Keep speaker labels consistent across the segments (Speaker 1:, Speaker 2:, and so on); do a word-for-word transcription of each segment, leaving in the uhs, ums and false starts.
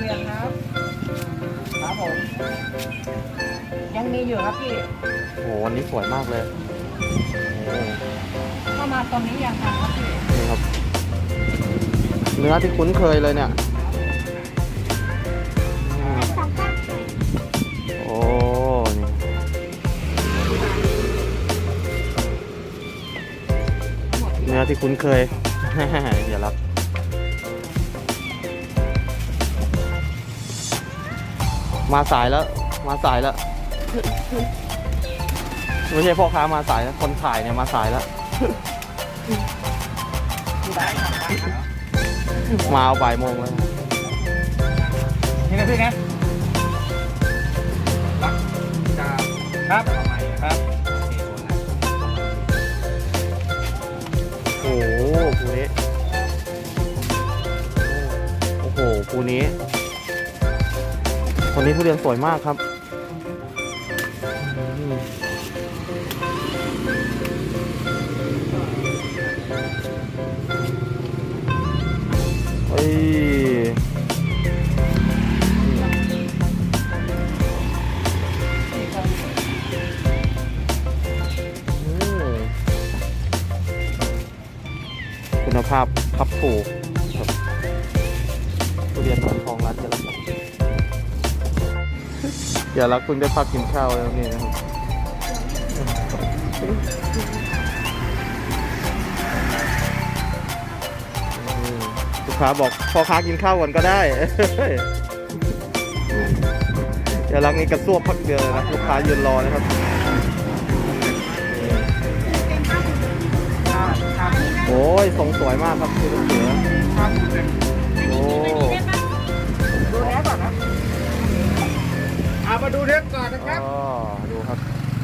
Speaker 1: รียนครับครับผมยังมีอยู่ครับพี่
Speaker 2: โอ้วันนี้สวยมากเลย
Speaker 1: เข้ามาตอนนี้ยังครับพี่
Speaker 2: นี่ครับเนื้อที่คุ้นเคยเลยเนี่ยโอ้นี่เนื้อที่คุ้นเคย อย่ารับมาสายแล้วมาสายแล้วไม่ใช่พ่อค้ามาสายแล้วคนขายเนี่ยมาสายแล้วมาเอาบ่ายโมงแล้ว
Speaker 1: นี่นะพี่นะครับครับ
Speaker 2: โอ้โหปูนี้โอ้โหปูนี้คนนี้ทุเรียนสวยมากครับเฮ้ยคุณภาพครับถูกทุเรียนหมอนทองร้านจะรับอย่ารักคุณได้พักกินข้าวแล้วนี่นะครับลูกค้าบอกพ่อค้ากินข้าวก่อนก็ได้อย่ารักนี่กระซวบพักเดียวนะลูกค้ายืนรอนะครับโอ้ยทรงสวยมากครับคือลูกเสือโอ้
Speaker 1: ดูแลก่อนนะเอามาดูเทปก่อนนะครับ
Speaker 2: อ๋อดูครับ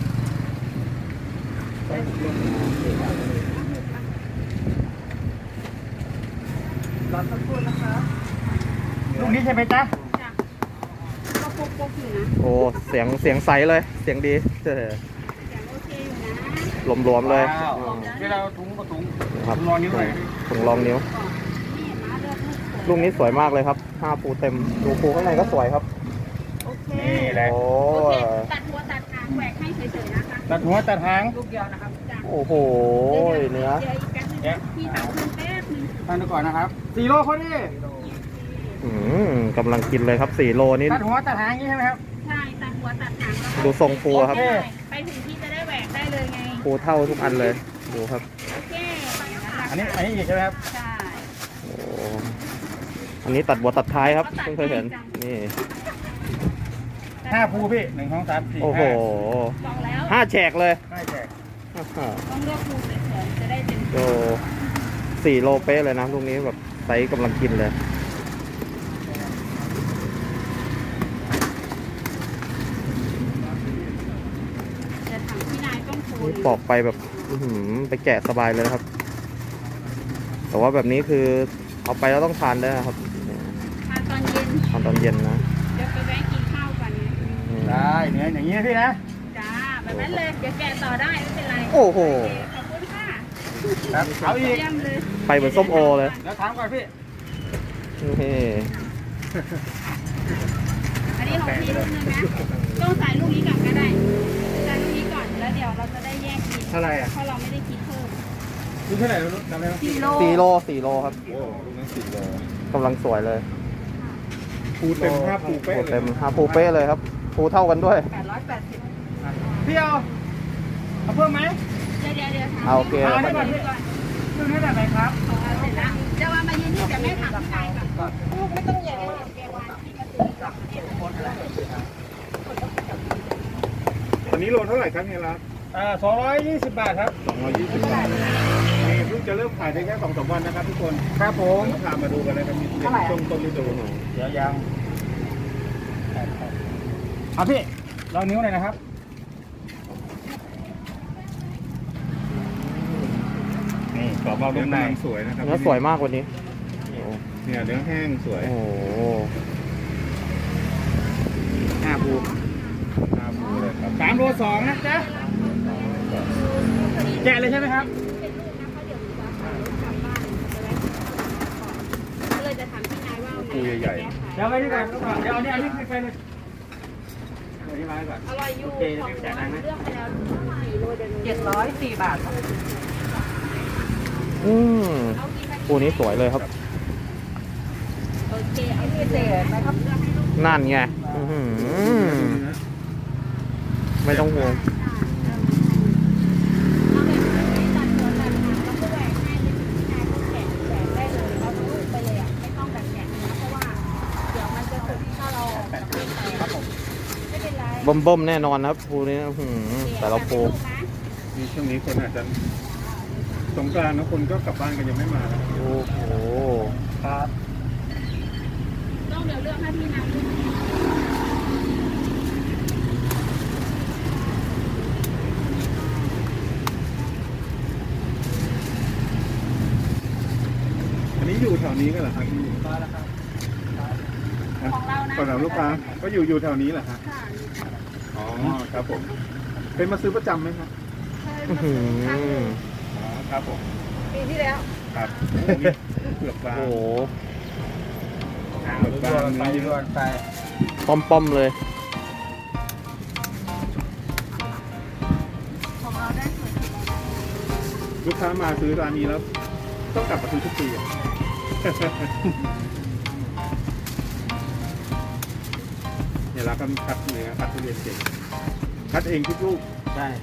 Speaker 1: รอสักครู่นะครับลูกนี้ใช่ไหมจ๊ะ
Speaker 3: จ้ะก็ปุ๊บปุ๊บอยู่นะ
Speaker 2: โอ้เสียงเสียงใสเลยเสียงดีเสีย
Speaker 3: งโอเคอยู่นะ
Speaker 2: หลวมๆเลย
Speaker 1: เวลาถุงก็ถุง
Speaker 2: ครับ
Speaker 1: รองนิ้วเลย
Speaker 2: ถุงรองนิ้วลูกนี้สวยมากเลยครับห้าปูเต็มดูปูข้างในก็สวยครับ
Speaker 3: โอเค
Speaker 1: นี่แหละ
Speaker 2: โอ้
Speaker 3: ตัดหัวตัดหางแหวกให้เฉยๆนะคะ
Speaker 1: ตัดหัวตัดหางลูกเดียวนะครับ
Speaker 2: โอ้โหเนื้อ
Speaker 3: เดี๋ยวอีกแป๊บนึงพี่ตัดเพิ่มแป๊บนึง
Speaker 1: ตั้งดูก่อนนะครับสี่โลคนนี้
Speaker 2: อืมกำลังกินเลยครับสี่โลนี่
Speaker 1: ตัดหัวตัดหางนี่ใช่ไหมครับ
Speaker 3: ใช่ตัดหัวตัดหางแล้ว
Speaker 2: ดูทรงปูครับ
Speaker 3: ไปถึงที่จะได้แหวกได้เลยไง
Speaker 2: ปูเท่าทุกอันเลยดูครับ
Speaker 3: โอเค
Speaker 1: อันนี้อันนี้อีกใช่ไหมครับ
Speaker 3: ใช่
Speaker 2: โอ้อันนี้ตัดหัวตัดท้ายครับเพิ่งเคยเห็นนี่
Speaker 1: ห้าภูพี่หนึ่งสองสามสี่
Speaker 2: โอ้โหห้าแฉกเลย
Speaker 1: ห้าแฉก
Speaker 3: ต้องเลือกภูสวยๆจะได้เป็น
Speaker 2: โอ้สี่โลเป๊ะเลยนะลูกนี้แบบไซส์กำลังกินเลย
Speaker 3: จะทำที่นายต้องภู
Speaker 2: นี่ปอกไปแบบไปแกะสบายเลยครับแต่ว่าแบบนี้คือเอาไปแล้วต้องทานได้ครับ
Speaker 3: ทานตอนเย็น
Speaker 2: ทานตอนเย็นนะ
Speaker 3: เดี๋ยวไปแวะกินข้าวกัน
Speaker 1: ได้เนื้ออย่างนี้พี่นะ
Speaker 3: จ้าแบบนั้นเลยเดี๋ยวแกะต่อได้ไม่เป็นไร
Speaker 2: โอ้โห
Speaker 3: ขอบคุณค่ะ
Speaker 1: ครับเอาอีก
Speaker 2: ไปเหมือนส้มโอเลย
Speaker 1: แล้วถามก่อนพี่
Speaker 2: นี่
Speaker 3: อันนี้ของพี่ลูกนึงนะต้องใส่ลูกนี้ก่อนก็ได้ใส่ลูกนี้ก่อนแล้วเดี๋ยวเราจะได้แยกกิน
Speaker 1: เท่าไหร่อ่ะ
Speaker 3: เพราะเราไม่ได้คิดเพิ่ม
Speaker 1: ลูกเท่าไหร่ลูกจำได้ไหม
Speaker 3: สี่โล
Speaker 2: สี่โลสี่โลครับ
Speaker 1: โอ้ลูกนั้นสี่โล
Speaker 2: กำลังสวยเลย
Speaker 1: ปูเต็มห้าปูเป๊ะ
Speaker 2: เต็มห้าปูเป๊ะเลยครับปูเท่ากันด้วย
Speaker 3: แปดร้อยแปดสิบ
Speaker 1: พี่เอาเอาเพิ่มไหม
Speaker 3: เดี๋ยวเดี๋ยวเดี๋ยว
Speaker 2: เอาโอเค
Speaker 1: เอาได้ก่อนพี่ลูกนี้แบบไหนครับ
Speaker 3: เสร็จแล้วจะว่ามายืนที่จะไม่ถามใครก่อนลูกไม่ต้องใหญ่เลยแกวางที่กระตือ
Speaker 4: อันนี้โลเท่าไหร่ครับเนี่ยครับ
Speaker 1: อ่าสองร้อยยี่สิบบาทครับ
Speaker 4: สองร้อยยี่สิบบาทนี่เพิ่งจะเริ่มขายได้แค่สองสามวันนะครับทุกคน
Speaker 1: ครับผม
Speaker 4: พามาดูกันเลยครับมีเด็กช่วงต้นฤดู
Speaker 1: เดี๋ยวยังเอาพี่ลองนิ้วหน่อยนะครับนี่กรอบเบานุ่มใน
Speaker 4: สวยนะครับ
Speaker 2: เนื้อสวยมากวันนี้
Speaker 4: เนี่ยเนื้อแห้งสวย
Speaker 2: โอ้
Speaker 1: ห้าภู
Speaker 4: ห้าภูเลยครับ
Speaker 1: สามโลสองนะจ๊ะแกะเลยใช่ไหมครับ
Speaker 3: เลยจะถามพี่นายว่า
Speaker 4: ปูใหญ่
Speaker 1: ๆใช่ดี๋ยวไปดีกว่าเดี๋ยวเอาเนี่ยอันนี้ไปเลยเดี๋ยวนี้มาก่อน
Speaker 3: อร่อยอยู่
Speaker 1: โอเค
Speaker 3: ของ
Speaker 1: เดี๋ยวจ่ายตังค์นะ
Speaker 3: เลือกไปแล้วสี่โลเดี๋ยวหนู
Speaker 5: เจ็ดร้อยสี่บาทครับ
Speaker 2: อืม
Speaker 3: เอากินไป
Speaker 2: คู่นี้สวยเลยครับ
Speaker 3: โอเคเอา
Speaker 5: พิเศษไหมครับ
Speaker 3: เลือกให้ลูก
Speaker 2: นั่นไงอื้อหือไม่ต้องห่วง
Speaker 3: เอาแบบไม่ตัดหัวตัดหางแล้วก็แหวกให้เลยชายก็แกะแหวกได้เลยเอาลูกไปเลยอ่ะไม่ต้องแบบแกะนะเพราะว่าเดี๋ยวมันจะสุกถ้าเราแบบไม่ไปครับผมไม่เป็นไร
Speaker 2: บ่มบ่มๆแน่นอนนะครับคู่นี้อื้อหือแต่ละโพ
Speaker 4: นี่ช่วงนี้คนอาจจะสงกรานต์นะคนก็กลับบ้านกันยังไม่มาแล้ว
Speaker 2: โอ้โห
Speaker 4: ครับ
Speaker 3: ต้องเดี๋ยวเลือกให้พี่นำด้วย
Speaker 4: อันนี้อยู่แถวนี้กันเหรอครับพี่
Speaker 3: ของเรานะ
Speaker 4: ก่อนหลังลูกค้าก็อยู่อยู่แถวนี้เหรอฮะ
Speaker 3: ค่ะ
Speaker 4: อ๋อครับผม เป็นมาซื้อประจำไหมครับ
Speaker 3: เคย
Speaker 2: อื้อ
Speaker 3: มา
Speaker 2: หื
Speaker 3: ซื้อครั้งหนึ่
Speaker 2: อง
Speaker 4: อ๋อครับผม
Speaker 3: ปีที่แล้ว
Speaker 4: ครับโอ้โหนี่เปลือกบาง
Speaker 2: โอ้โห
Speaker 4: เปลือกบางเนื้อเยอะ
Speaker 2: ป้อมป้อมๆเลย
Speaker 3: ของเราได้ส่วนที่เราได้
Speaker 4: ลูกค้ามาซื้อร้านนี้แล้ว ต้องกลับมาซื้อทุกปีอะ เนี่ยเราก็คัดเนื้อคัดทุเรียนเก่งคัดเองทุกลูก
Speaker 1: ใช่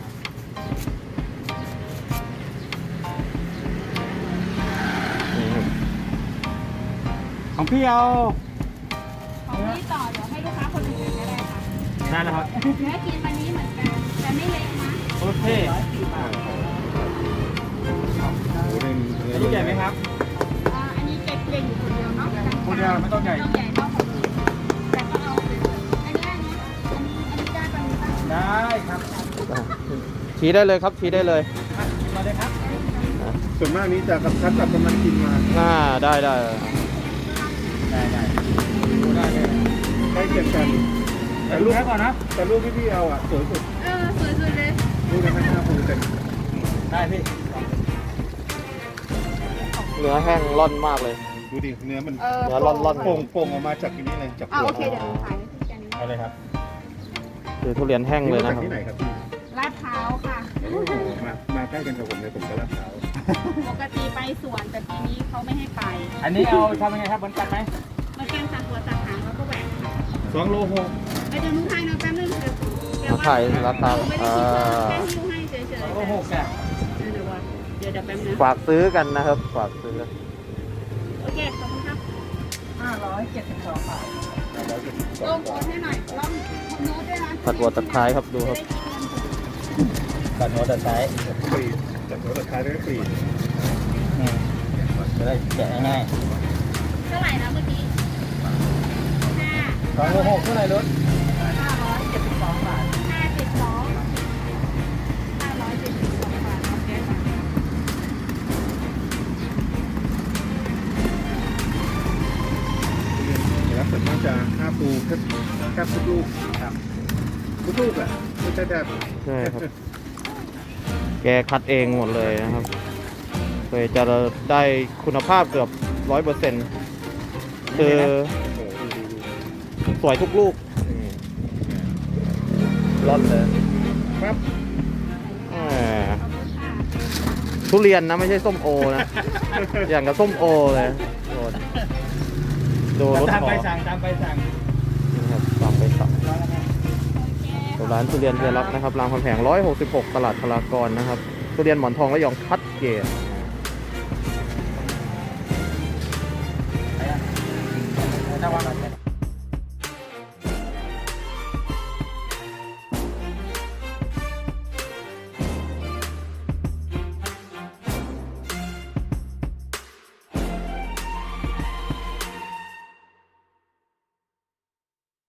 Speaker 2: นี่ครับ
Speaker 1: ของพี่เอา
Speaker 3: ของพี่ต่อเดี๋ยวให้ลูกค้าคนอื่นก็ได้ค่ะ
Speaker 1: ได้แล้วครับ
Speaker 3: เนื้อกินวันนี้เหมือนกันแต่ไม่เล็กนะ
Speaker 1: โอเค
Speaker 4: โอ้โหนี่เนื้อ
Speaker 1: ลูกใหญ่ไหมครับ
Speaker 3: อ่าอันนี้เก็บเล็งอยู่คนเดียวเนาะ
Speaker 1: คนเดียวไม่ต้องใหญ่
Speaker 3: ต้องใหญ่เท่าของอื่นแต่ก็เอาไปเลยอันนี้อันนี้อันนี้อันนี้ได้ปะมีปะ
Speaker 1: ได้ครับ
Speaker 2: ชี้ได้เลยครับชี้ได้เลย
Speaker 1: มาเลยครับ
Speaker 4: ส่วนมากนี้จะกับคัดกับกำลังกินมา
Speaker 2: อ่าได้ได้
Speaker 1: ได้ได้ดูได้เลย
Speaker 4: ใกล้เคียงกัน
Speaker 1: แต่
Speaker 4: แต่
Speaker 1: ลู
Speaker 4: ลู
Speaker 1: ก
Speaker 4: ก
Speaker 1: แค่ก่อนนะ
Speaker 4: แต่ลูกที่พี่เอาอ่ะสวยสุด
Speaker 3: เออสวยสุดเลย
Speaker 4: ลูกนั้นห้าภูเต็ม
Speaker 1: ได้พี่
Speaker 2: เนื้อแห้งร่อนมากเลย
Speaker 4: ดูดิเนื้อมัน
Speaker 3: เออ
Speaker 2: เนื้อร่อนๆ
Speaker 4: โป่งโป่งออกมาจากที่นี่เลยจาก
Speaker 3: อ่า
Speaker 4: เปลื
Speaker 3: โอก เคเดี๋ยวหนูขายให้พี่กัน
Speaker 1: เอาเลยครับ
Speaker 2: คือทุเรียนแห้ง
Speaker 4: นี่
Speaker 2: เลย
Speaker 4: มา
Speaker 2: นะ
Speaker 4: จาก
Speaker 2: ครับ
Speaker 4: ที่ไหนครับพี่
Speaker 3: ลาดพร้าวค่ะ
Speaker 4: โอ้โหมามาใกล้กันกับผมเลยผมก็ลาดพร้าว
Speaker 3: ปกติไปสวนแต่ปีนี้เขาไม่ให้ไป
Speaker 1: อันนี้เอาทำยังไงครับเหมือนกันไหม
Speaker 3: มาแกงตัดหัวตัดหางแล้วก็แหวกค่ะ
Speaker 4: สองโลหก
Speaker 3: ไปเดี๋ยวหนูถ่ายหนะแป๊บนึงเดี๋ยวเดี๋ยว
Speaker 2: มาถ่ายราคา
Speaker 3: ไม่ได้
Speaker 2: อ่
Speaker 3: คิดว่า
Speaker 2: า
Speaker 3: แค่หิ้วให้เฉยๆ
Speaker 1: สองโลหกอ่ะ
Speaker 3: เดี๋ยวเดี๋ยวว่าเดี๋ยวเดี๋ยวแป๊บนึง
Speaker 2: ฝากซื้อกันนะครับ ฝากซื้อ
Speaker 3: โอเคขอบคุณครับ
Speaker 5: ห้าร้อยเจ็ดสิบสองบาท
Speaker 3: ลงโพสให้หน่อยลองโน้ตด้วยนะ
Speaker 2: ผัดหัวตะไคร้ครับดูครับ
Speaker 1: ตัดหัวตัดท้าย
Speaker 4: ปรีดจากหัวตะไคร้แล้วก็ปรีด
Speaker 1: จะได้แกะง่าย
Speaker 3: เท่าไหร่นะเมื่อกี้ห้า
Speaker 1: สองโลหกเท่าไหร่รถ
Speaker 5: ห้าร้อยเจ็ดสิบสองบาท
Speaker 3: ห้าสิบสองห้าร้อยเจ็ดสิบสองบาทโอเคค่ะ
Speaker 4: แล้วส่วนมากจะห้าภูแค่แค่ทุกลูกครับทุกลูกอ่ะไม่ใช่แบบ
Speaker 2: ใช่ครับ แกคัดเองหมดเลยนะครับเลยจะได้คุณภาพเกือบร้อยเปอร์เซ็นต์คือ
Speaker 4: โอ้โหดูดู
Speaker 2: สวยทุกลูกร่อนเลย
Speaker 4: ครับ
Speaker 2: แหมทุเรียนนะไม่ใช่ส้มโอนะ อย่างกับส้มโอเลยโดนดูรถ
Speaker 1: ตาม
Speaker 2: ขอ
Speaker 1: ไปสั่งตามไปสั่ง
Speaker 2: นะครับตามไปสั่งร้านทุเรียนเทียรักนะครับรามคำแหงหนึ่งร้อยหกสิบหกตลาดพลากรนะครับทุเรียนหมอนทองและยองคัดเกรด
Speaker 1: ถ้าวันเรา